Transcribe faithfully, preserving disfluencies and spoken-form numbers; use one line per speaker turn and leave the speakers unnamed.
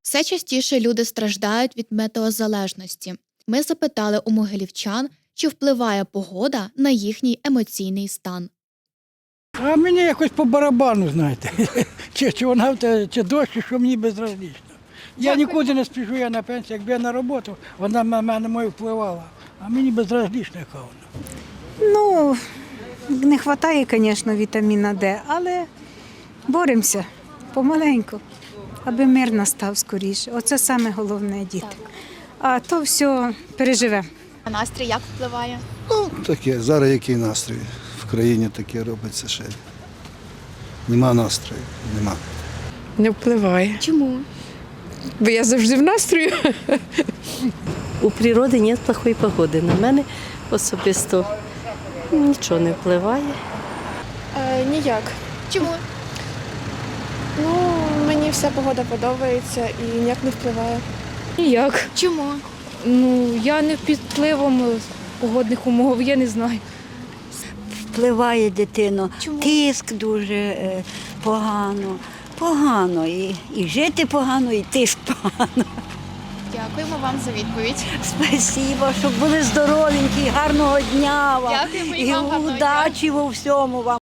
Все частіше люди страждають від метеозалежності. Ми запитали у могилівчан, чи впливає погода на їхній емоційний стан.
А мені якось по барабану, знаєте. Чи, чи вона в те- чи дощ, чи що мені безразлично. Я нікуди не спішу, я на пенсії. Якби я на роботу, вона на мене мою впливала. А мені безразлично, яка вона.
Ну, не вистачає, звісно, вітаміна Д, але боремося помаленьку, аби мир настав скоріше. Оце саме головне, діти. А то все переживемо.
А настрій як впливає?
Ну, таке, зараз який настрій? В країні таке робиться ще. Нема настрою, нема.
Не впливає.
Чому?
Бо я завжди в настрою.
У природи немає плохої погоди. На мене особисто нічого не впливає.
Е, ніяк.
Чому?
Ну, мені вся погода подобається і ніяк не впливає.
Ніяк.
Чому?
Ну, я не під впливом погодних умов, я не знаю.
Впливає дитино.
Чому?
Тиск дуже е, погано. Погано. І, і жити погано, і тиск погано.
Дякуємо вам за відповідь.
Спасибо, щоб були здоровенькі, гарного дня вам.
Дякуємо і
і
вам гарного дня.
удачі у всьому вам.